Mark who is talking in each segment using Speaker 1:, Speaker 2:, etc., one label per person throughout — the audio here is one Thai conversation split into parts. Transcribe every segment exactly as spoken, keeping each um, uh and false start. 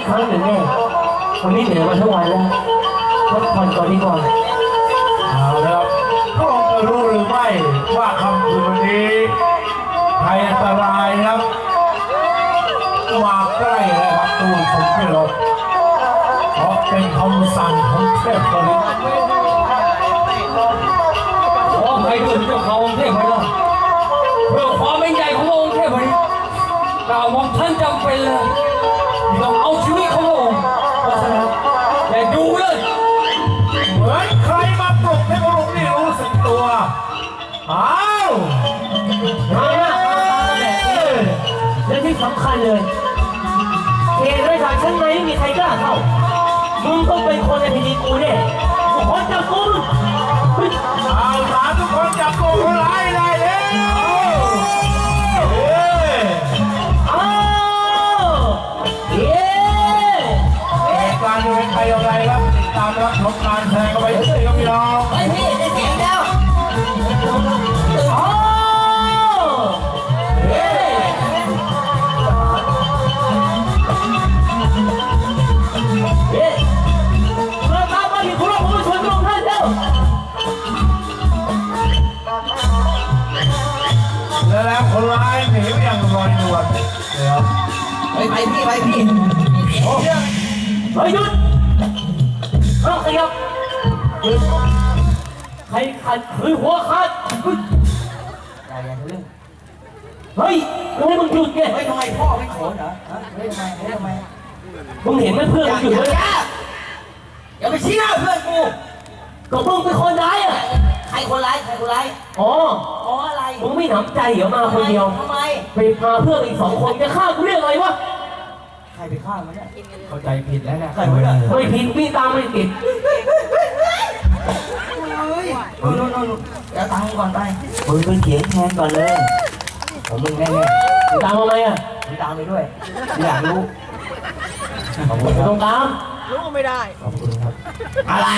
Speaker 1: ครั้งหนึ่งแน่วันนี้เหนื่อยมาทั้งวันแล้วพักผ่อนก่อนดีกว่า
Speaker 2: เอาแล้วพระองค์จะรู้หรือไม่ว่าคำคืนวันนี้ภัยอันตรายครับมาใกล้แล้วครับตูนผมไม่ลบเพราะเป็นคำสั่งของเทพบริษ
Speaker 3: ขอให้ด้วยเจ้าเขาองค์เทพบริษเพื่อความเป็นใหญ่ขององค์เทพบริษกล่าวว่าท่านจำเป็นเลยต้องเอาชีวิตขององค์เพราะฉะนั้นอย่าดูเลย
Speaker 2: เหมือนใครมาปลุกให้พระองค์นี่รู้สึกตัวอ้าว
Speaker 1: มาแล้วและที่สำคัญเลยเขตราชการชั้นในไม่มีใครกล้าเข้ามึงต้องเป็นคนในพิธีกูแน่กูขอจับกู
Speaker 2: เอาสามทุกคนจับตัวคนร้ายได้แล้วเฮ้ย
Speaker 1: อ้าวเย้
Speaker 2: เหตุการณ์จะเป็นใครอะไรครับติดตามรับชมการแสดงกันไปเรื่อยๆครับพี่น้อง
Speaker 1: ไอ้พี่ได้เสียงแล้วอ้าวเย้เย้เราตามมาที่คุณผู้ชมทุกท่านแล้ว
Speaker 2: แล้วคนร้ายหนีไปอย่างลอยนวลเดี๋ยว
Speaker 1: ไปไปพี่ไปพี่โอ้ยเฮ้ยหยุดเอาขยับใครขัดคือหัวขาดอย่าอย่าทะลึ่งเฮ้ยทำไมมึงหยุดเนี่ย
Speaker 4: เฮ้ยทำไมพ่อไม่โขนเหรอฮะเฮ้ยทำไมเฮ้ยทำไม
Speaker 1: มึงเห็นไหมเพื่อนมึงหยุดเลย
Speaker 4: อย่าไปชี้หน้าเพื่อนกู
Speaker 1: ก็มึงเป็นคนร้ายอ่ะ
Speaker 4: ใครคนร้ายใครคนร้าย
Speaker 1: อ๋อ
Speaker 4: อ๋ออะไร
Speaker 1: มึงไม่หนำใจเหรอมาคนเดียว
Speaker 4: ทำไม
Speaker 1: ไปพาเพื่อนอีกสองคนจะฆ่ากูเรื่องอะไรวะ
Speaker 4: ใครไปฆ่ามันเนี่ย
Speaker 2: เข้าใจผิดแล้วนะ
Speaker 4: ใครวะเนี่ย
Speaker 1: ไม่ผิดพี่ตามไม่ติด
Speaker 4: เฮ้ยโน่นโน่นโน่นเดี๋ยวตังค์ก่อนไป
Speaker 1: มึงเป็นเขียงแทนก่อนเลย
Speaker 4: ผมมึงแน่
Speaker 1: ๆมึงตามทำไมอ่ะ
Speaker 4: มึงตามไปด้วยอยากรู้
Speaker 1: ขอบคุณครับต้องตาม
Speaker 4: รู้ไม่ได้
Speaker 1: ขอบคุณครับ
Speaker 4: อะไร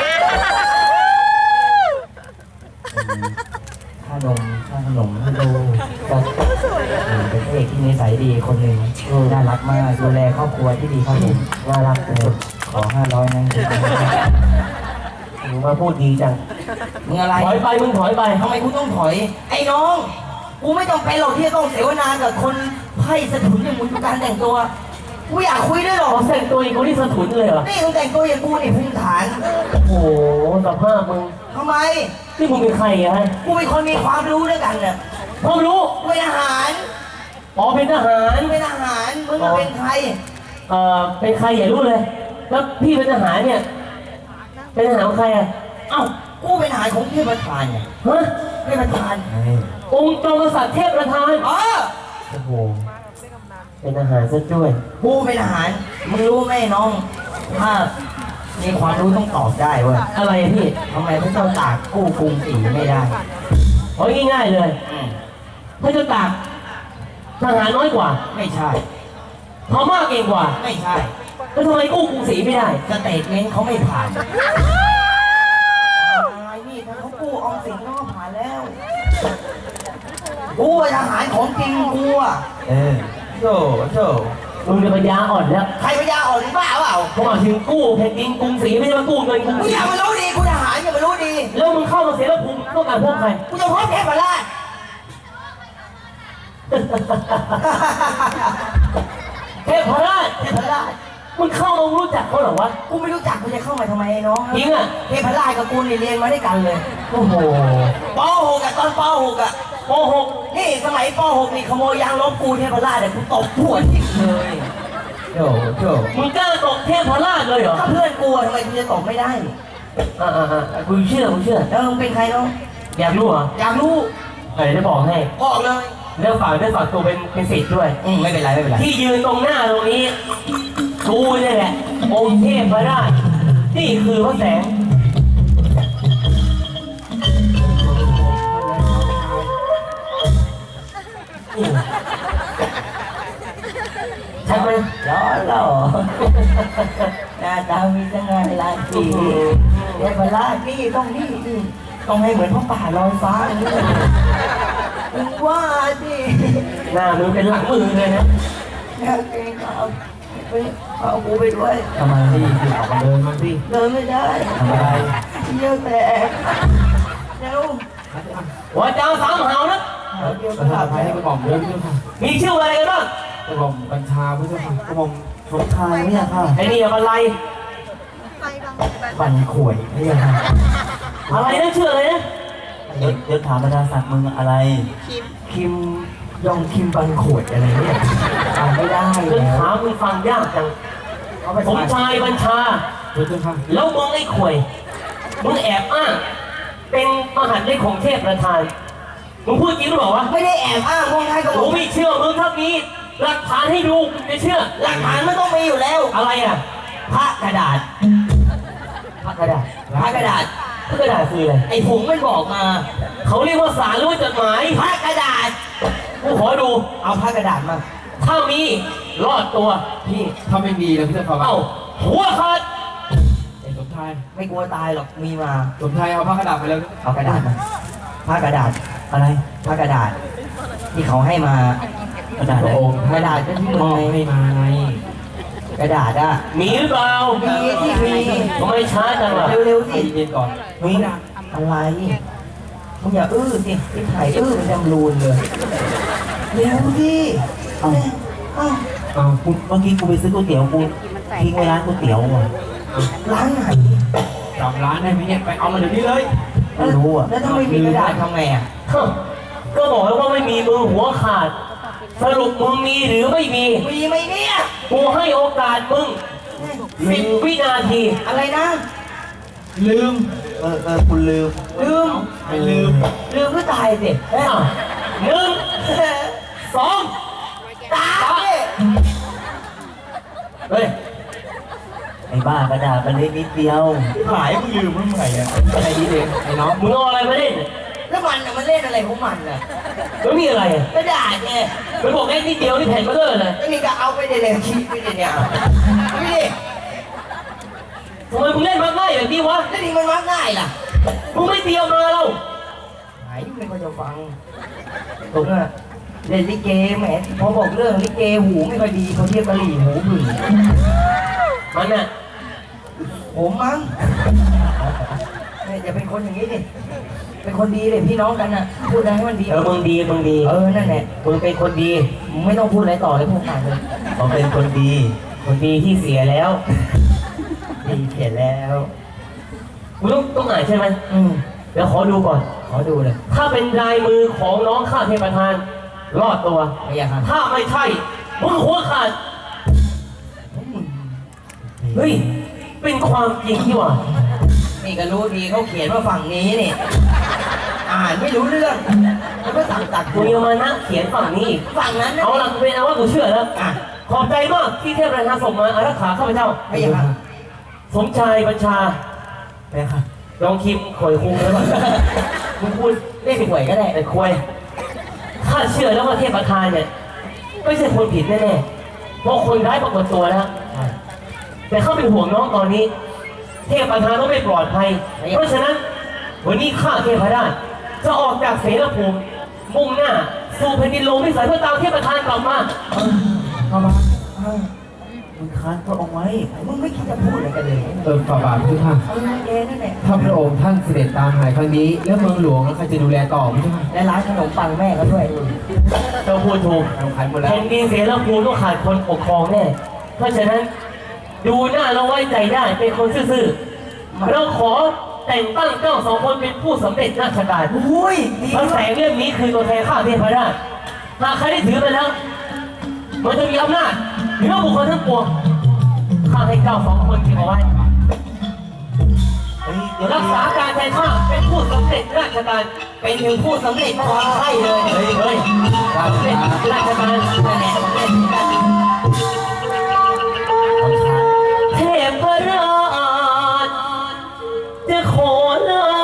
Speaker 1: ขนมขนมให้ดูก็เป็นเอกที่นิสัยดีคนหนึ่งน่ารักมากดูแลครอบครัวที่ดีครับผมน่ารักเลยขอห้าร้อยนะมึงมาพูดดีจัง
Speaker 4: มึงอะไร
Speaker 1: ถอยไปมึงถอยไป
Speaker 4: ทำไมกูต้องถอยไอ้น้องกูไม่ต้องไปหรอกที่จะต้องเสวนากับคนไพ่สะถุนอย่างมึงทุกการแต่งตัวกูอยากคุยด้วยหรอ
Speaker 1: แต่งตัวอย่างกูนี่สะถุนเลยเหรอ
Speaker 4: นี่มึงแต่งตัวอย่างกูนี่ภูมิฐาน
Speaker 1: โอ้โหสภาพมึง
Speaker 4: ทำไม
Speaker 1: ที่มึงเป็นใครอะ
Speaker 4: กูเป็นคนมีความรู้ด้วยกันเนี่ย
Speaker 1: ความรู้
Speaker 4: เป็นทหาร
Speaker 1: อ๋อเป็นทหาร
Speaker 4: เป็นทหารมึงเป็นใคร
Speaker 1: เอ่อเป็นใครอย่ารู้เลยแล้วพี่เป็นทหารเนี่ยเป็นทหารของใครอะ
Speaker 4: เอ้ากูเป็นทหารของเทพประธานไง
Speaker 1: ฮะ
Speaker 4: เทพประธาน
Speaker 1: องค์จอมกษัตริย์เทพประธาน
Speaker 4: อ๋อ
Speaker 1: โอ้โหเป็นทหารซะด้วย
Speaker 4: กูเป็นทหารมึงรู้ไหมน้องถ้ามีความรู้ต้องตอบได้เว้ย
Speaker 1: อะไรพี่
Speaker 4: ทำไมพระเจ้าตากกู้กรุงศรีไม่ได้
Speaker 1: โอ้ยง่ายๆเลยพระเจ้าตากทหารน้อยกว่า
Speaker 4: ไม่ใช่
Speaker 1: พม่าเก่งกว่า
Speaker 4: ไม่ใช่
Speaker 1: แล้วทำไมกู้กรุงศรีไม่ได้
Speaker 4: สเตทเมนต์เขาไม่ผ่านอะไรนี่ถ้าเขากู้ออมสินเขาก็ผ่านแล้วกูทหารของจริงกูอ่ะ
Speaker 1: เออ
Speaker 4: โจ้โจ้
Speaker 1: มึงเป็นปัญญาอ่อนแล้ว
Speaker 4: ใครปัญญาอ่อนบ้าเปล่า
Speaker 1: เขาบอกถึงกู้แผ่นดินกรุงศรีไม่ใช่มากู้เงินกรุงศรี
Speaker 4: มึงอย่ามารู้ดีกูทหารอย่ามารู้ดี
Speaker 1: แล้วมึงเข้ามาเสียแล้วภูมิต้องการพวกใคร
Speaker 4: กูจะพบเทพราช
Speaker 1: เทพราช
Speaker 4: เทพราช
Speaker 1: มึงเข้ามารู้จักเขาหรอวะ
Speaker 4: กูไม่รู้จักกูจะเข้ามาทำไมน้อง
Speaker 1: จริงอ่ะ
Speaker 4: เทพราชกับกูเรียนมาด้วยกันเลย
Speaker 1: โอ้โห
Speaker 4: ป.หกอะตอนป.หกอะ
Speaker 1: ป.หก
Speaker 4: นี่สมัยป.หกนี่ขโมยยางลบกูเทพราชเดี๋ยวกูตบหัวทิ้งเลย
Speaker 1: โจ้โจ้มึงกล้าตบเทพราชเลยเหรอ
Speaker 4: ถ้าเพื่อนกูทำไมกูจะตบไม่ได้
Speaker 1: อ่าอ่าอ่ากูเชื่อกูเชื่อ
Speaker 4: แล้วมึงเป็นใครน้อง
Speaker 1: อยากรู้เหรอ
Speaker 4: อยากรู้
Speaker 1: เดี๋ยวจะบอกให้
Speaker 4: บอกเลย
Speaker 1: เรื่องฝากเรื่องฝากตัวเป็นเป็นศิษย์ด้วย
Speaker 4: อืมไม่เป็นไรไม่เป็นไร
Speaker 1: ที่ยืนตรงหน้าตรงนี้กูนี่แหละองค์เทพราชนี่คือพระแสงใช่ไหม
Speaker 4: ล้อหล่อหน้าตามีจังไงลายสีเทพราชนี่ต้องนี่นี่ต้องให้เหมือนพระป่าลอยฟ้าอย่างนี้มึงว่าสิ
Speaker 1: หน้ามึงเป็นหลังมือเลยนะ
Speaker 4: แค่เก่งเอาไปเอากูไปด้วย
Speaker 1: ทำไมพี่พี่ออกมาเดินมาพี่
Speaker 4: เดินไม่ได้
Speaker 1: ทำอะไร
Speaker 4: เยี่ยวแตกเร็ว
Speaker 3: ว่าเจ้าสามหาวนะ
Speaker 4: เดี๋ยว
Speaker 1: ประธานอภัยให้กระหม่อมเดินพี่ค่ะ
Speaker 3: มีชื่ออะไรกันบ้าง
Speaker 1: กระหม่อมบัญชาพี่ค่ะกระหม่อมสมชายพี่ค่ะ
Speaker 3: ไอ้นี่อะไร
Speaker 1: บันข่วยพี่ค่ะ
Speaker 3: อะไรนะชื่ออะไรนะ
Speaker 1: เดี๋ยวเดี๋ยวถามบรรดาศักดิ์มึงอะไรคิมยองคิมบันข่วยอะไรเนี่ยอ่านไม่ได้
Speaker 3: เรื่อง
Speaker 1: แล้ว
Speaker 3: ถามมึงฟังยากจัง
Speaker 1: เอาไป
Speaker 3: สมชายบัญชา
Speaker 1: เดี๋ยวค่ะ
Speaker 3: แล้วมึงไอ้ข่วยมึงแอบอ้างเป็นมหันต์เลขของเทพประธานมึงพูดจริงหรือเปล่าวะ
Speaker 4: ไม่ได้แอบอ้างพวกใครก็บ
Speaker 3: กู
Speaker 4: อก
Speaker 3: ไม่เชื่อมึงถ้ามีหลักฐานให้ดูจะเชื่อ
Speaker 4: หลักฐานมันต้องมีอยู่แล้ว
Speaker 3: อะไรอ่ะ
Speaker 4: พระกระดาษ
Speaker 3: พระกระดาษ
Speaker 4: พระกระดาษ
Speaker 3: พระกระดาษคืออะไร
Speaker 4: ไอ้ผงมันบอกมา
Speaker 3: เขาเรียกว่าสารหรือว่าจดหมาย
Speaker 4: พระกระดาษ
Speaker 3: กูขอดู
Speaker 4: เอาพระกระดาษมา
Speaker 3: ถ้ามีรอดตัว
Speaker 1: พี่ถ้าไม่มีนะพี่จะฟัง
Speaker 3: เอ้าหัวขาด
Speaker 1: ไอ้สมชาย
Speaker 4: ไม่กลัวตายหรอก มีมา
Speaker 1: สมชายเอาผ้ากระดาษไปแล้ว
Speaker 4: เอากระดาษมาผ้ากระดาษ
Speaker 1: อะไร
Speaker 4: ผ้ากระดาษ ที่เขาให้มา
Speaker 1: กระดาษ
Speaker 4: พระองค์กระดาษก็ที่
Speaker 1: ม
Speaker 4: มึง
Speaker 1: อบ
Speaker 4: ไง
Speaker 1: ให้มาไง
Speaker 4: กระดาษอะ
Speaker 3: มีหรือเปล่า
Speaker 4: มีที่มี
Speaker 3: ทำไมช้าจังล่ะ
Speaker 4: เร็วๆ
Speaker 1: ใจ
Speaker 4: สิ
Speaker 1: เย็นก่อน
Speaker 4: มีอะไรมึงอย่าอื้อสิที่ถ่ายอื้อมันจำรูนเลยเร็วสิเอ้าเอ้า
Speaker 1: อ้าวกูเมื่อกี้กูไปซื้อก๋วยเตี๋ยวกูทิ้งไว้ร้านก๋วยเตี๋ยวอ่ะ
Speaker 4: ร้านไหน
Speaker 1: จำร้านได้ไหมเนี่ยไปเอามาเดี๋ยวนี้เลยไม่รู้อ่ะ
Speaker 4: แล้วถ้าไม่มีกระดาษทำไงอ่ะ
Speaker 3: ฮะก็บอกแล้วว่าไม่มีมือหัวขาด สรุปมึงมีหรือไม่มี
Speaker 4: มีไหมเนี่ย
Speaker 3: กูให้โอกาสมึงสิบวินาที
Speaker 4: อะไรนะ
Speaker 1: ลืมเออเออคุณลืม
Speaker 4: ลืม
Speaker 1: ไม่ลืม
Speaker 4: ลืมก็ตายสิ
Speaker 3: อ้าวหนึ่งสอง
Speaker 4: ตายสิ
Speaker 3: เฮ้ย
Speaker 1: ไอ้บ้ากระดาษมันเล็กนิดเดียวหายมึงลืมมึงไงอ่ะไอ้นี่เองไอ้น้อง
Speaker 3: มึงเอาอะไรมาเล่น
Speaker 4: แล้วมันน่ะมันเล่นอะไรของมันน่ะ
Speaker 3: แล้วมีอะไรอ่ะ
Speaker 4: กระดาษไง
Speaker 3: มันบอกแค่นิดเดียวนี่แผ่นเบลอเลย
Speaker 4: ก็นี่ก็เอาไปเดี๋ยวๆคิดไปเดี๋ยวเนี่ยนี่ดิ
Speaker 3: ทำไมมึงเล่นมาง่ายแบบนี้วะ
Speaker 4: แล้วนี่มันวัดง่ายล่ะ
Speaker 3: มึงไม่เตรียมมาเรา
Speaker 4: หายไม่ค่อยจะฟังผมอะเล่นลิเกแหมพอบอกเรื่องลิเกหูไม่ค่อยดีเขาเทียบกะหรี่หูผึ่ง
Speaker 3: มันน่ะ
Speaker 4: ผมมั้งเนี่ยอย่าเป็นคนอย่างนี้ดิเป็นคนดีเลยพี่น้องกันน่ะพูดอะไรให้มันดี
Speaker 3: เออมึงดีมึงดี
Speaker 4: เออนั่นแหละ
Speaker 3: มึงเป็นคนดี
Speaker 4: มึงไม่ต้องพูดอะไรต่อเลยพวกผ่านเลย
Speaker 1: เขาเป็นคนดี
Speaker 3: คนดีที่เสียแล้ว
Speaker 4: ดีเขียนแล้ว
Speaker 3: มึงต้องต้องอ่านใช่ไหม
Speaker 4: อืม
Speaker 3: เดี๋ยวขอดูก่อน
Speaker 4: ขอดูเลย
Speaker 3: ถ้าเป็นลายมือของน้องข้าเทพประธาน รอดตัว
Speaker 4: ไม่อยากครับ
Speaker 3: ถ้าไม่ใช่ มึงหัวขาด เฮ้ย เป็นความจริงที่ว่า
Speaker 4: นี่ก็รู้ดีเขาเขียนว่าฝั่งนี้นี่อ่านไม่รู้เรื่องแล้วก็สั่งตัด
Speaker 3: มึงยังมานั่งเขียนฝั่งนี้อีก
Speaker 4: ฝั่งนั้นนะ
Speaker 3: เอาล่ะกูเป็นเอาว่ากูเชื่อแล้ว
Speaker 4: อ่ะ
Speaker 3: ขอบใจมากที่เทพประธานส่งมาอารักขาข้าพเจ้า
Speaker 4: ไม่อยากครับ
Speaker 3: สมชายบัญชา
Speaker 1: ไปค่ะ
Speaker 3: ลองคิมข่อยคุงแล้วก่อนมึงพูด
Speaker 4: เล่นหวยก็ได้
Speaker 3: แต่ควยข้าเชื่อแล้วว่าเทพประธานเนี่ยไม่ใช่คนผิดแน่ๆเพราะคนร้ายปรากฏตัวแล้วแต่ข้าเป็นห่วงน้องตอนนี้ เทพประธานต้องไม่ปลอดภัย เพราะฉะนั้นวันนี้ข้าเทพราชจะออกจากเสนาภูมิมุ่งหน้าสู่แผ่นดินโลกวิสัยเพื่อตามเทพประธานกลับมา
Speaker 1: เข้ามา
Speaker 4: เออ
Speaker 1: มึงค้านพระองค์ไว้
Speaker 4: มึงไม่คิดจะพูดอะไรกันเลย
Speaker 5: เติมฝ่าบาทพี่ค่ะ
Speaker 4: เออเอนั่นแหละ
Speaker 5: ถ้าพระองค์ท่านเสด็จตามหายครั้งนี้ แล้วเมืองหลวงแล้วใครจะดูแลต่อพี่ค่ะ
Speaker 4: และร้านขนมปังแม่เขาด้วย
Speaker 3: เจ้าพูดถูก
Speaker 5: เราขายหมดแล้ว
Speaker 3: แผ่นดินเสนาภูมิต้องขาดคนปกครองแน่ เพราะฉะนั้นดูหน้าเราไว้ใจได้เป็นคนซื่อๆเราขอแต่งตั้งเจ้าสองคนเป็นผู้สำเร็จราชการ
Speaker 4: อุ้ยดี
Speaker 3: พระแสงเล่มนี้คือตัวแทนข้าเทพราชหากใครได้ถือไปแล้ว มันจะมีอำนาจเหนือบุคคลทั้งปวงข้าให้เจ้าสองคนเก็บเอาไว้
Speaker 1: เฮ้ยเดี๋ยว
Speaker 3: รักษาการแทนข้าเป็นผู้สำเร็จราชการ
Speaker 4: เป็นถึงผู้สำเร็จความใช่เลย
Speaker 3: เฮ้ยเฮ้ยสำเร็จราชการ
Speaker 4: นั่นแหละสำเร็จ
Speaker 3: เทพราชจะขอลา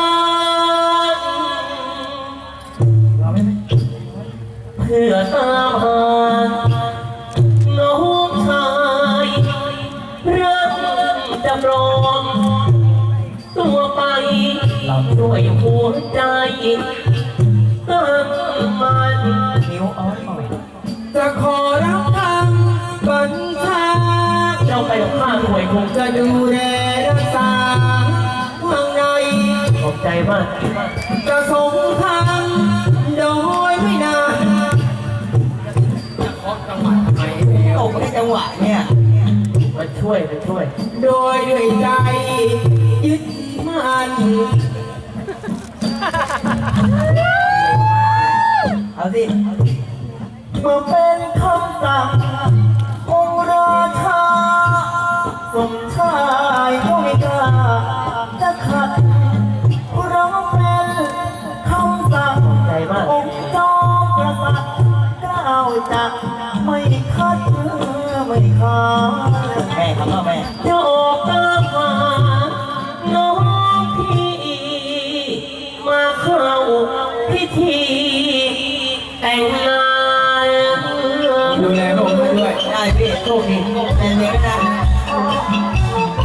Speaker 3: เพื่อตามหาน้องชายรักจำลองตัวไปด้วยหัวใจตั้งมัน
Speaker 4: นิ้วอ้อนอ่อย
Speaker 5: จะขอรับคำบัญชาคงจะดูแลรักษาเมืองใน
Speaker 4: ขอบใจมาก
Speaker 5: จะสงครามโดยไม่นาน
Speaker 4: ตกในจังหวะเนี่ยมาช่วยมาช่วย
Speaker 5: โดยด้วยใจยึดมั่น
Speaker 4: เอาสิ
Speaker 5: เมื่อเป็นคำสั่งองค์ราชาสมชายก็ไม่กล้าจะขัดเพราะเป็นคำสั่ง
Speaker 4: ใจมาก
Speaker 5: องค์จอมกษัตริย์กล้าวจะไม่คัดไม่ค้าน
Speaker 4: แม่คำว่าแม่
Speaker 5: จะออกตามหาน้องพี่มาเข้าพิธีแต่งงาน
Speaker 4: ดูแลพระองค์ด้วยได้พี่โชคดีเป็นเลี้ยงนะ